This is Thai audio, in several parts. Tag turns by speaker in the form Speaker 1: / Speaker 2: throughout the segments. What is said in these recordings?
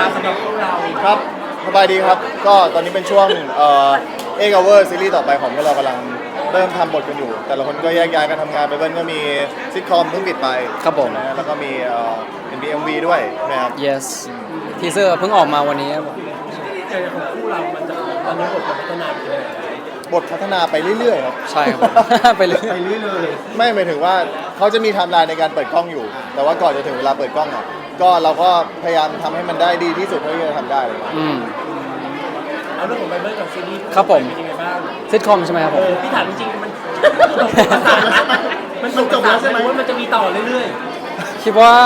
Speaker 1: สำหรับพวกเรา
Speaker 2: ครับสบายดีครับก็ตอนนี้เป็นช่วงเวอร์ซีรีส์ต่อไปของพวกเรากำลังเริ่มทำบทกันอยู่แต่ละคนก็แยกย้ายกันทำงานไปเบิ้ลก็มีซิทคอมเพิ่งปิดไป
Speaker 3: ครับผม
Speaker 2: นะแล้วก็มีเป็น BMV ด้วยนะครับ
Speaker 3: yes ทีเซอร์เพิ่งออกมาวันนี้ครับผม
Speaker 1: ใจของคู่เรามันจะตอนนี้บทพัฒนาไปเลย
Speaker 2: บทพัฒนาไปเรื่อยๆครับ
Speaker 3: ใช่ครับผม ไปเรื่อย
Speaker 1: ไปเรื่อยเลย
Speaker 2: ไม่หมายถึงว่าเขาจะมีไทม์ไลน์ในการเปิดกล้องอยู่ แต่ว่าก่อนจะถึงเวลาเปิดกล้องอ่ะก็เราก็พยายามทำให้มันได้ดีที่สุดเท่าที่จะทำได้เลย
Speaker 1: เอาเรื่องของไบเบิลกับซีรีส์
Speaker 3: ครับผม
Speaker 1: เป็นยังไงบ้าง
Speaker 3: ซิทคอมใช่ไหมครับผม
Speaker 1: พี่ถามจริงๆมันจบแล้วใช่ไหมว่ามันจะมีต่อเรื่อย
Speaker 3: คิดว่า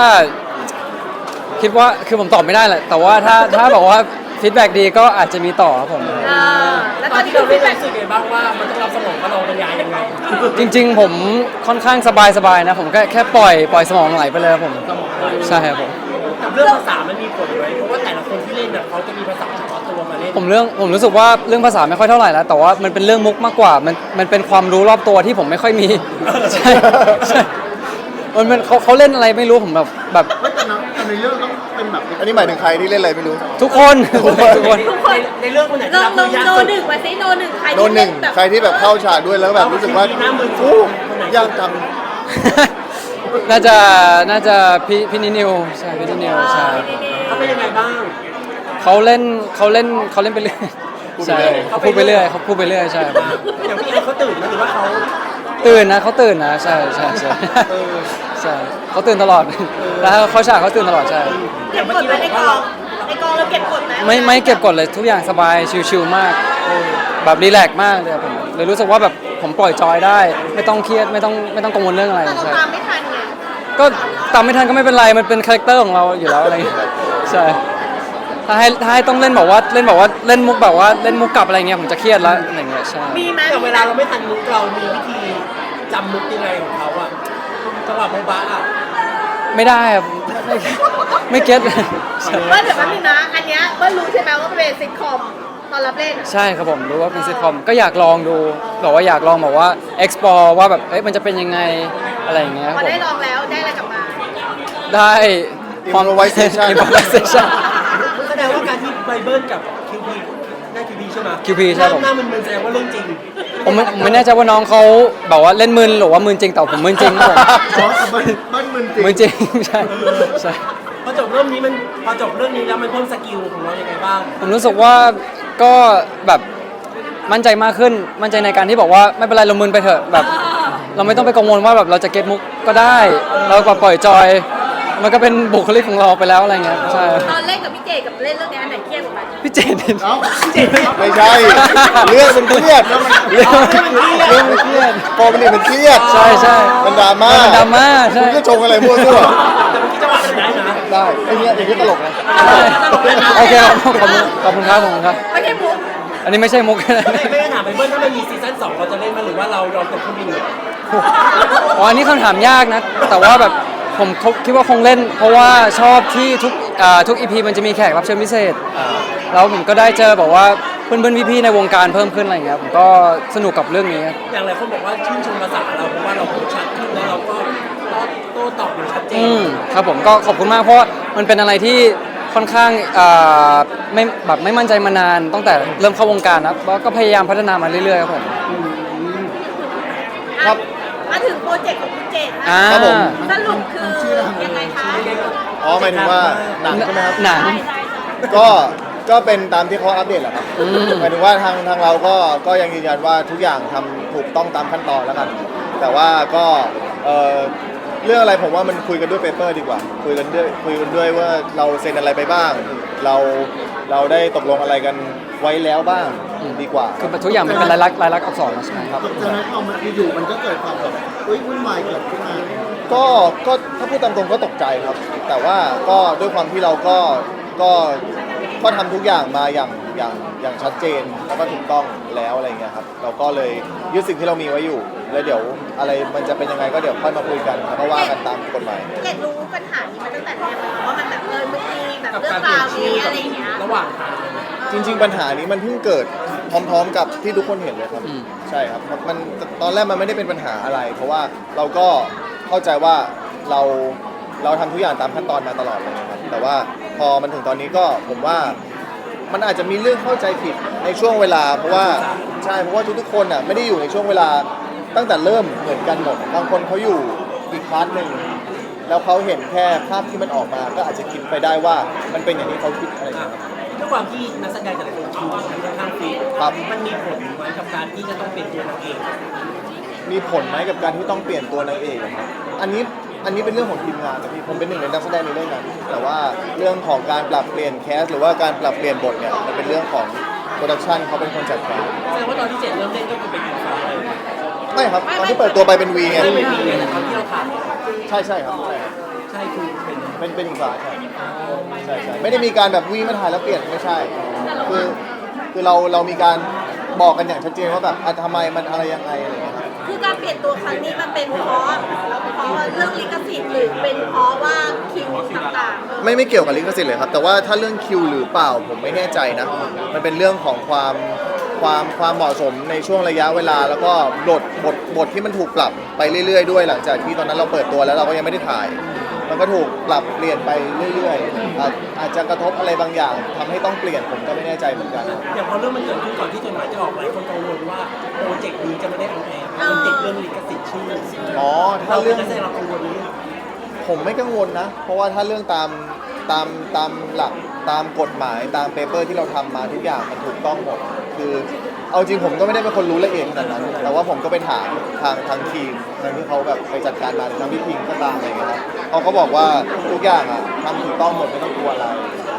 Speaker 3: คือผมตอบไม่ได้แหละแต่ว่าถ้าบอกว่าฟีดแบ็กดีก็อาจจะมีต่อครับผม
Speaker 1: แล้วตอนที่เราเล่นรู้สึกไงบ้างว่ามันต้องรับสมองกับเราบรรยายยังไง
Speaker 3: จริงๆผมค่อนข้างสบายๆนะผมแค่ปล่อยสมองไหลไปเลยครับผมใช่ครับผม
Speaker 1: กับเรื่องภาษามันมีผลไหมเพราะว่าแต่ละคนที่เล่นเนี่ยเขาจะมีภาษาเฉพาะตัวมาเล่น
Speaker 3: ผมรู้สึกว่าเรื่องภาษาไม่ค่อยเท่าไหร่แล้วแต่ว่ามันเป็นเรื่องมุกมากกว่ามันเป็นความรู้รอบตัวที่ผมไม่ค่อยมี ใช่มันเป็นเขาเล่นอะไรไม่รู้ผมแบบ
Speaker 4: แต่ในเรื่องต้องเป็นแบบ
Speaker 2: อันนี้หมายถึงใครที่เล่นอะไรไม่รู้
Speaker 3: ทุกคน
Speaker 1: ในเรื่องคนไหน
Speaker 5: ล
Speaker 1: ที่
Speaker 5: อง
Speaker 1: รับมือยาก
Speaker 5: โน
Speaker 1: สุด
Speaker 5: หนึ่งมาซิโนหนึ่งใคร
Speaker 2: โดนหนึ่งใครที่แบบเข้าฉากด้วยแล้วแบบรู้สึกว่าอู้ยากจัง
Speaker 3: น่าจะพี่นิวใช่พี่นิวใช่
Speaker 1: เขาเป็นยังไงบ้าง
Speaker 3: เขาเล่นไปเรื่อยใช่เขาพูดไปเรื่อยใช่
Speaker 1: อย่างพี่เอเขาตื่นไหมหรือว่าเขา
Speaker 3: ตื่นนะใช่ใช่เขาตื่นตลอดแล้วเขาฉากเขาตื่นตลอดใช่
Speaker 5: เก็บกดไหมในกองเราเก็บกดไหม
Speaker 3: ไม่เก็บกดเลยทุกอย่างสบายชิลๆมากแบบรีแลกซ์มากเลยผมเลยรู้สึกว่าแบบผมปล่อยจอยได้ ไม่ต้องเครียดไม่ต้องกังวลเรื่องอะไร
Speaker 5: แต่เรา
Speaker 3: ใช่
Speaker 5: ตามไม่ทันไง
Speaker 3: ก็ตามไม่ทันก็ไม่เป็นไรมันเป็นคาแรคเตอร์ของเราอยู่แล้วอะไรอย่างเงี้ยใช่ถ้าให้ต้องเล่นบอกว่าเล่นมุกแบบว่าเล่นมุกกลับอะไรเงี้ยผมจะเครียดแล้วอะไรเงี้ยใช่
Speaker 5: มีไหม
Speaker 1: แต่เวลาเราไม่ทันมุกเรามีวิธีจำมุกยังไงของเขาอะจังหวะโมบ้าอะ
Speaker 3: ไม่ได้ครับไม่เก็ต
Speaker 5: เบิ้ลเดี๋ยวแป๊บนึงนะอันเนี้ยเบิ้ลรู้ใช่ไหมว่าเป็นซิทคอมตอนรับเล่น
Speaker 3: ใช่ครับผมรู้ว่าเป็นซิทคอมก็อยากลองดูบอกว่าอยากลองแบบว่า explore ว่าแบบมันจะเป็นยังไงอะไรอย่างเงี้ยค
Speaker 5: พ
Speaker 3: รั
Speaker 5: อบ
Speaker 3: ผม
Speaker 5: ได้ลองแล้วได้อะไรกลับมา
Speaker 3: ได้ความ
Speaker 2: Improvisation
Speaker 3: improvisation
Speaker 1: แสดงว่าการที่ไบเบิลกับคิวพีได้คิวพีใช่ไหม
Speaker 3: QP ใช่ผม
Speaker 1: หน้ามันแสดงว่าเรื่องจริง
Speaker 3: ผมไม่แน่ใจว่าน้องเขาแบบว่าเล่นมึนหรือว่ามึนจริงแต่ผมมึนจริงครับผม
Speaker 4: อ๋อแต่มันมึนจริง
Speaker 3: มึนจริงใช่ใช่
Speaker 1: พอจบเรื่องนี้แล้วมันเพิ่มสกิลของเรายังไงบ้าง
Speaker 3: ผมรู้สึกว่าก็แบบมั่นใจมากขึ้นมั่นใจในการที่บอกว่าไม่เป็นไรเรามึนไปเถอะแบบ เราไม่ต้องไปกังวลว่าแบบเราจะเก็ตมุกก็ได้เราก็ปล่อยจอยมันก็เป็นบุคลิกของเราไปแล้วอะไรเงี้ยใช่
Speaker 5: ตอนเล่นกับพี่เจกับเล่นเรื่องนี้อันไหนเครียดกว่ากัน
Speaker 3: พี่เจน
Speaker 4: เอ้า
Speaker 2: ไม่ใช่เรื่องมันเครียดเรื่องมันเครียดพอมันเนี่ยมันเครียด
Speaker 3: ใช่
Speaker 2: มันดราม่า
Speaker 3: มันดราม่าใช่
Speaker 2: คุณก็ชงอะไรมั่วซั่ว
Speaker 1: แต่เมื่อกี้จังหวะมันได้นะ
Speaker 2: ได้ไอ้เนี้ยอย่างนี้ตลกนะ
Speaker 3: โอเคครับขอบคุณครับ
Speaker 5: ไม่ใช่มุก
Speaker 3: อันนี้ไม่ใช่มุก
Speaker 1: ไม่ได้ถามไบเบิลถ้ามันมีซีซั่น2เราจะเล่นมั้ยหรือว่าเรายอมตกเครื่องบินเลย
Speaker 3: อ๋ออันนี้คำถามยากนะ แต่ว่าแบบผมคิดว่าคงเล่น เพราะว่าชอบที่ทุกอีพีมันจะมีแขกรับเชิญพิเศษแล้วผมก็ได้เจอแบบว่าเพื่อนพี่ๆในวงการเพิ่มขึ้นอะไรอย่างเงี้ยผมก็สนุกกับเรื่องนี้
Speaker 1: อย่างหลายคนบอกว่าชื่นชมภาษาเราเพราะว่าเราพูดชัดขึ้นแล้วเราก็โต้ตอบอย่างชัดเจน
Speaker 3: ครับผมก็ขอบคุณมากเพราะว่ามันเป็นอะไรที่ค่อนข้างไม่มั่นใจมานานตั้งแต่เริ่มเข้าวงการนะแล้วก็พยายามพัฒนามาเรื่อยๆครับผม
Speaker 2: ครับ
Speaker 5: มาถึงโปรเจกต์ของคุณเจน
Speaker 3: อ่า
Speaker 2: ครับผม
Speaker 5: สรุปคือยังไงคะ
Speaker 2: อ๋อหมายถึงว่าหนังใช่ไหมครับ
Speaker 3: หนัง
Speaker 2: ก็เป็นตามที่เขาอัปเดตแหละครับหมายถึงว่าทางเราก็ยังยืนยันว่าทุกอย่างทำถูกต้องตามขั้นตอนแล้วกัน แต่ว่าก็เรื่องอะไรผมว่ามันคุยกันด้วยเปเปอร์ดีกว่า คุยกันด้วยว่าเราเซ็นอะไรไปบ้าง เราได้ตกลงอะไรกันไว้แล้วบ้างดีกว่า
Speaker 3: คือทุกอย่างมันเป็นลายลักษณ์อักษรแล้วใช่ไหมครับ
Speaker 4: จากนั้นเอามาอยู่มันก็เกิดความแบบวุ่นวายเกิดขึ้นมา
Speaker 2: ก็ถ้าพูดตามตรงก็ตกใจครับ แต่ว่าก็ด้วยความที่เราก็ทำทุกอย่างมาอย่างชัดเจนแล้วก็ถูกต้องแล้วอะไรเงี้ยครับเราก็เลยยึดสิ่งที่เรามีไว้อยู่ แล้วเดี๋ยวอะไรมันจะเป็นยังไงก็เดี๋ยวค่อยมาคุยกันแล้วก็ว่ากันตามกฎหมาย
Speaker 5: เจนรู้ปัญหานี้มาตั้งแต่แรกเลยว่ามันแบบมันมีแบบ
Speaker 1: กับ
Speaker 5: เรื่อ
Speaker 1: การ
Speaker 5: ง
Speaker 1: เปลี่
Speaker 5: รา
Speaker 1: ยน
Speaker 5: ว
Speaker 1: ชื่อ
Speaker 5: นี้อะไรอย่างเงี้ย
Speaker 1: ระหว่างทาง
Speaker 2: จริง ๆ ปัญหานี้มันเพิ่งเกิดพร้อมๆกับที่ทุกคนเห็นเลยครับ
Speaker 3: อืม
Speaker 2: ใช่ครับมันตอนแรกมันไม่ได้เป็นปัญหาอะไร เพราะว่าเราก็เข้าใจว่าเราทำทุกอย่างตามขั้นตอนมาตลอดเลยนะครับแต่ว่าพอมันถึงตอนนี้ก็ผมว่ามันอาจจะมีเรื่องเข้าใจผิดในช่วงเวลาเพราะว่าใช่เพราะว่าทุกๆคนอ่ะไม่ได้อยู่ในช่วงเวลาตั้งแต่เริ่มเหมือนกันหมดบางคนเขาอยู่อีกพาร์ทหนึ่งแล้วเขาเห็นแค่ภาพที่มันออกมาก็อาจจะคิดไปได้ว่ามันเป็นอย่างที่เขาคิดอะไรอย่างเงี้ยครับ
Speaker 1: ด้วยความที่นักแสดงแต่ละคนคิวมันค่อนข้างฟิต
Speaker 2: ครับ
Speaker 1: มันมีผลไหมกับการที่จะต้องเป็นตัวนางเอก
Speaker 2: มีผลไหมกับการที่ต้องเปลี่ยนตัวนางเอกอะครับอันนี้เป็นเรื่องของทีมงานนะพี่ผมเป็นหนึ่งในนักแสดงในเรื่องนั้นแต่ว่าเรื่องของการปรับเปลี่ยนแคสหรือว่าการปรับเปลี่ยนบทเนี่ยมันเป็นเรื่องของโปรดักชันเขาเป็นคนจัดการ
Speaker 1: แสดงว่าตอนที่เจ็ดเริ่มเล่นก็คือเป็นอินฟาเลย
Speaker 2: ไม่ครับตอนที่เปิดตัวไปเป็นวีไง
Speaker 1: ไม่เป็นวีไงแต่ตอนที่เราถ่าย
Speaker 2: ใช่ครับ
Speaker 1: ใช่คือเป็น
Speaker 2: เป็นอีกฝ่ายใช่ไม่ได้มีการแบบวีมาถ่ายแล้วเปลี่ยนไม่ใช่คือเรามีการบอกกันอย่างชัดเจนว่าแบบทำไมมันอะไรยังไงอะไรอย่างเงี้ยครับ
Speaker 5: คือการเปลี่ยนตัวครั้งนี้มันเป็นเพราะเรื่องลิขสิทธิ์หรือเป็นเพราะว่าคิวต่างๆ
Speaker 2: ไม่เกี่ยวกับลิขสิทธิ์เลยครับแต่ว่าถ้าเรื่องคิวหรือเปล่าผมไม่แน่ใจนะมันเป็นเรื่องของความเหมาะสมในช่วงระยะเวลาแล้วก็บทที่มันถูกปรับไปเรื่อยๆด้วยหลังจากที่ตอนนั้นเราเปิดตัวแล้วเราก็ยังไม่ได้ถ่าย มันก็ถูกปรับเปลี่ยนไปเรื่อยๆอาจจะกระทบอะไรบางอย่างทำให้ต้องเปลี่ยนผมก็ไม่แน่ใจเหมือนกัน
Speaker 1: อย่างพอเรื่องมันเกิดขึ้นก่อนที่จดหมายจะออกหลายคนกังวลว่าโปรเจกต์นี้จะไม่ได้ออนแอร์มันติดเรื่องลิขสิทธิ์ชื่อ
Speaker 2: อ๋อถ้า
Speaker 1: เราเป็
Speaker 2: เรื่
Speaker 1: น
Speaker 2: อง
Speaker 1: นักแสดงเรากังวลเรื่อง
Speaker 2: ผมไม่กังวลนะ เพราะว่าถ้าเรื่องตามหลักตามกฎหมายตามเปเปอร์ที่เราทำมาทุกอย่างมันถูกต้องหมดคือเอาจริงผมก็ไม่ได้เป็นคนรู้ละเอียดขนาดนั้น แต่ว่าผมก็ไปถามทางทีมทางที่เขาแบบไปจัดการมาทางพี่พิงก็ตามอะไรอย่างเงี้ยครับเขาก็บอกว่าทุกอย่างอ่ะทำถูกต้องหมดไม่ต้องกลัวอะไร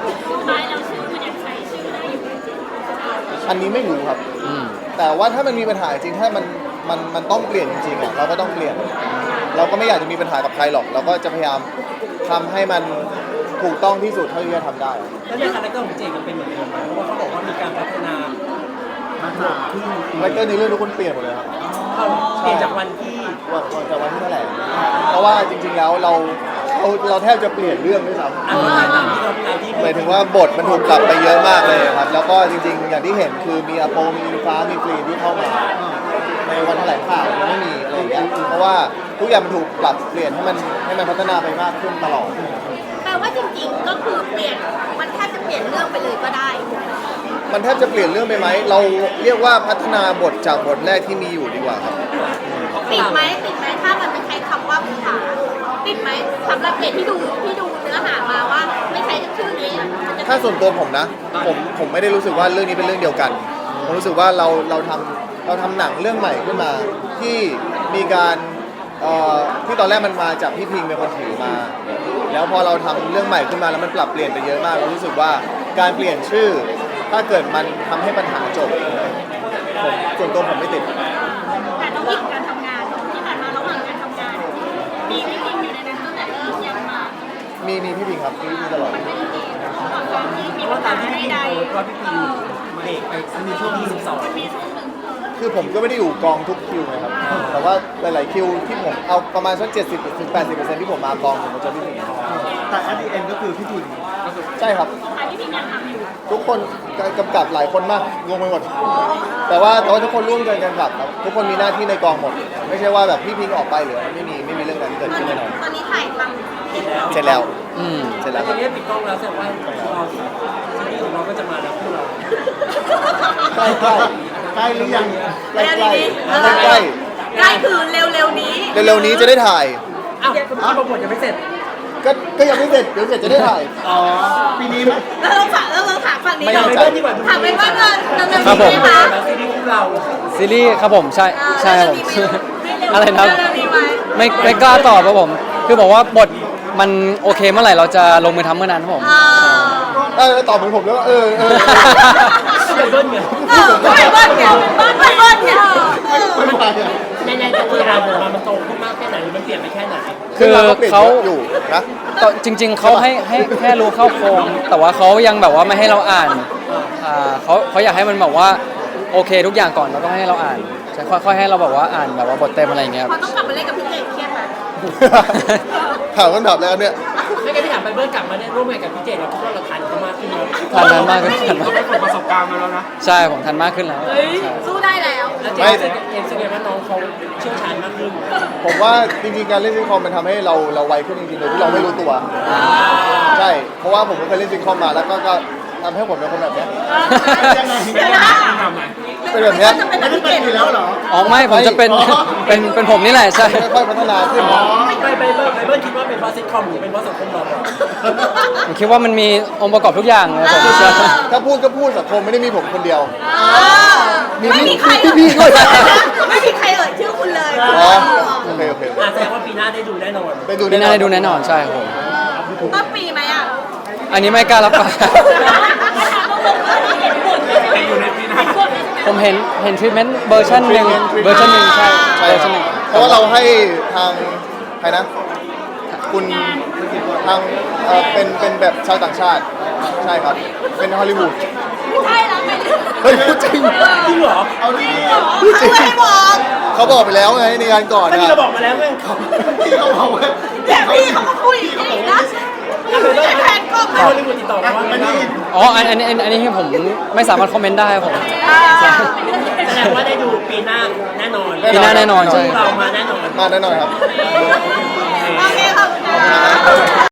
Speaker 2: อันนี้ไม่รู้ครับ แต่ว่าถ้ามันมีปัญหาจริงถ้ามันต้องเปลี่ยนจริงๆอ่ะเราก็ต้องเปลี่ยน เราก็ไม่อยากจะมีปัญหากับใครหรอก เราก็จะพยายามทำให้มันถูกต้องที่สุดเท่าที่จะทำได้
Speaker 1: แล้วในคาแรคเตอร์ของเจก็เป็นเหมือนเดิมไหมเพราะว่าเขาบอกว่ามีการพัฒนาขึ้น
Speaker 2: คาแรคเตอร์ในเรื่องทุกคนเปลี่ยนหมดเลยครับ
Speaker 1: เปลี่ยนจากวันที่
Speaker 2: วันจากวันที่แถลงเพราะว่าจริงๆแล้วเราแทบจะเปลี่ยนเรื่องด้วยซ้
Speaker 1: อ่านตามที่เราตามที่
Speaker 2: ำหมายถึงว่าบทมันถูกปรับไปเยอะมากเลยครับ แล้วก็จริงๆ อย่างที่เห็นคือมีอาโปมีอิงฟ้ามีกรีนที่เข้ามาในวันแถลงข่าวยังไม่มีอะไรอย่างเงี้ยเพราะว่าทุกอย่างมันถูกปรับเปลี่ยนให้มันพัฒนาไปมากขึ้นตลอด
Speaker 5: แปลว่าจริงๆก็คือเปลี่ยนมันแทบจะเปลี่ยนเรื่องไปเลยก็ได้
Speaker 2: มันแทบจะเปลี่ยนเรื่องไปไหม เราเรียกว่าพัฒนาบทจากบทแรกที่มีอยู่ดีกว่าครับ
Speaker 5: ติดไหมถ้ามันไม่ใช้คำว่าภาษาติดไหมสำหรับเด็กที่ดูเนื้อหามาว่าไม่ใช้ชื่อนี้มันจะ
Speaker 2: ถ้าส่วนตัวผมนะ ผมไม่ได้รู้สึกว่าเรื่องนี้เป็นเรื่องเดียวกัน ผมรู้สึกว่าเราทำหนังเรื่องใหม่ขึ้นมา ที่มีการที่ตอนแรกมันมาจากพี่พิงเป็นคนถือมา แล้วพอเราทำเรื่องใหม่ขึ้นมาแล้วมันปรับเปลี่ยนไปเยอะมากเรารู้สึกว่าการเปลี่ยนชื่อ ถ้าเกิดมันทำให้ปัญหาจบส่วนตัวผมไม่ติด
Speaker 5: แต่ต้องมีการทำงานที่ผ่านมาระหว่างการทำงานมีไม่จริงอยู่ในนั้นตั้งแต่เริ่มยังมา
Speaker 2: มีพี่พิงครับมีตลอด
Speaker 1: เพราะว่าตามที่พี่โพสต์ว่าพี่พิมเบรกไปมีช่วงที่12
Speaker 2: คือผมก็ไม่ได้อยู่กองทุกคิวนะครับ แต่ว่าหลายๆคิวที่ผมเอาประมาณสัก70-80%ที่ผมมากองผมก็จะพี่พิง
Speaker 4: แต่at the end ก็คือพี่ทุน
Speaker 2: ใช่ครับทุกคนกำกับหลายคนมากงงไปหมดแต่ว่าทุกคนร่วมกันกำกับครับทุกคนมีหน้าที่ในกองหมด ไม่ใช่ว่าแบบพี่พิงออกไปหรือไม่มีเรื่องนั้นเกิดขึ้นแน่นอน
Speaker 5: ตอนนี้ถ่ายท
Speaker 2: เสร็จแล้ว
Speaker 1: ตอนนี้ปิดกล้องแล้วแสดงว่าเราซีรีส์ของเราก็จะมาแล้วพวกเรา
Speaker 2: ใกล้
Speaker 4: ใกล้หรือยัง
Speaker 5: ำ
Speaker 2: ใกล้ใกล้
Speaker 5: ใกล้คือเร็วๆนี้
Speaker 2: เร็วๆนี้จะได้ถ่าย
Speaker 1: อ้าวคุณพี่โปรโมทยังไม่เสร็จ
Speaker 2: ก็ยังไม่เสร็จเดี๋ยวเสร็จจะได้ถ่าย
Speaker 4: อ๋อ ปีนี้ไหม
Speaker 5: แล้วเราถามฝั่งนี้
Speaker 2: ไม่
Speaker 5: หน่
Speaker 2: แน่
Speaker 5: อย
Speaker 2: ใจ
Speaker 5: ถามไปว่าเงินดำเนิน
Speaker 3: ครับผม
Speaker 5: ไหมคะ
Speaker 1: ซีรีส์ของเรา
Speaker 3: ซีรีส์ครับผมใช่ครับผม อะไรนะ
Speaker 5: เรื่องนี้ไหม
Speaker 3: ไม่กล้าตอบครับผม คือบอกว่าบทมันโอเคเมื่อไหร่เราจะลงมือทำเมื่อนั้นครับผม
Speaker 2: ตอบเหมือนผมแล้วว่า
Speaker 1: เป็นเบิ้ลไง
Speaker 5: ไม่เบิ้ลเนี่ยไม่เบิ้ลเนี่ย
Speaker 1: ในแต่คือเราของเรามันโตขึ้นมากแค่ไหนหรือมันเปลี่ยนไปแค่ไหน
Speaker 3: คือเขา
Speaker 2: อยู่นะ
Speaker 3: ก็จริง ๆเขาให้แค่รู้เข้าโครงแต่ว่าเขายังแบบว่าไม่ให้เราอ่านเขาอยากให้มันแบบว่าโอเคทุกอย่างก่อนแล้วก็ให้เราอ่านใช่ค่อยๆให้เราแบบว่าอ่านแบบว่าบทเต็มอะไรอย่างเงี้ย
Speaker 5: พอต้องกลับมาเล่นกับพี่เจเครียดไหม
Speaker 2: ถามคำถามแล้วเนี่ย
Speaker 1: ไม่งั้นพี่ถามอย่างไปเบิร์กลับมาได้ร่วมงานกับพี่เจดเราคิดว่าเราทันเขามากขึ้นไหม
Speaker 3: ทันมากขึ้นทันมาก
Speaker 1: ได้ประสบการณ์มาแล้วนะ
Speaker 3: ใช่ผมทันมากขึ้นแล้ว
Speaker 5: เฮ้ยสู้ได้แล้ว
Speaker 1: แล้วเจมส์แสดงว่าน้องเขาเชี่ยวชาญมากขึ้น
Speaker 2: ผมว่าจริงๆการเล่นซิทคอมมันทำให้เราไวขึ้นจริงๆโดยที่เราไม่รู้ตัวใช่เพราะว่าผมก็เคยเล่นซิทคอมมาแล้วก็ทำให้ผมเป็นคนแบบเนี้ย
Speaker 4: ยังไง
Speaker 5: เดี๋ยวนะ
Speaker 1: ทำไง
Speaker 2: เป็นแบบเนี้ย
Speaker 5: จะเป็น
Speaker 4: ไม่ได้
Speaker 5: พี่
Speaker 4: เป็
Speaker 5: เก
Speaker 4: น
Speaker 5: ด
Speaker 4: อยู่แล้วเหรอ
Speaker 3: อ๋อไม่ผมจะเป็น เป็นผมนี่แหละใช่
Speaker 2: ค่อยๆพัฒนาขึ้น
Speaker 1: ไปเบิร์คิดว่าเป็นเพราะซิทคอมหรือเป็นเพราะสังคมเรา
Speaker 3: ผมคิดว่ามันมีองค์ประกอบทุกอย่างเลยผมใช่
Speaker 2: ถ้าพูดก็พูดสังคมไม่ได้มีผมคนเดียว
Speaker 5: ไม่มีใคร
Speaker 2: พี่ด้วย
Speaker 5: ไม่มีใครเอ่ยชื่อคุณเลย
Speaker 2: อ๋อโอเคโอเค
Speaker 1: แสดงว่าปีหน้าได้ดูแน่นอน
Speaker 2: ได้ดู
Speaker 3: พี่น่าได้ดูแน่นอนใช่ครับผม
Speaker 5: ต้นปีไหมอ่ะ
Speaker 3: อันนี้ไม่กล้ารับปาก
Speaker 1: อยู่ในปีหน้า
Speaker 3: ผมเห็นทรีทเมนต์เวอร์ชันหนึ่งใช่
Speaker 2: ใช่
Speaker 3: เวอร์
Speaker 2: ค
Speaker 3: ชั
Speaker 2: รั
Speaker 3: น
Speaker 2: บ
Speaker 3: หนึ่ง
Speaker 2: เพราะว่าเราให้ทางใครนะ คุณทางเป็นแบบชาวต่างชาติ ใช่ครับ เป็นฮอลลีวูด
Speaker 5: ไม่ใช่แล้วไง
Speaker 2: เฮ้ยพูดจริง
Speaker 1: จริงเหรอ
Speaker 4: เอาดี
Speaker 5: เขาไม่ให้บอก
Speaker 2: เขาบอกไปแล้วไงในงานก่อน
Speaker 1: ไม่
Speaker 2: นะ
Speaker 1: มีเราบอกมาแล้วไงเขา
Speaker 4: พี่เขาบอกว่า
Speaker 5: แต่พี่เขาก็คุยอีกนะไม่ใช่แผนกล้อง
Speaker 1: ให้ฮอลลีวูดติดต่อมาว่า
Speaker 4: ไม่ได้ยิน
Speaker 3: อ๋ออันนี้ผมไม่สามารถคอมเมนต์ได้ครับผม
Speaker 1: แสดงว่าได้ดูปีหน้าแน่นอน
Speaker 3: ปีหน้าแน่นอนใช่
Speaker 1: เรามาแน่นอน
Speaker 2: มาแน่นอนครับ
Speaker 5: โอเคขอบคุณค่ะ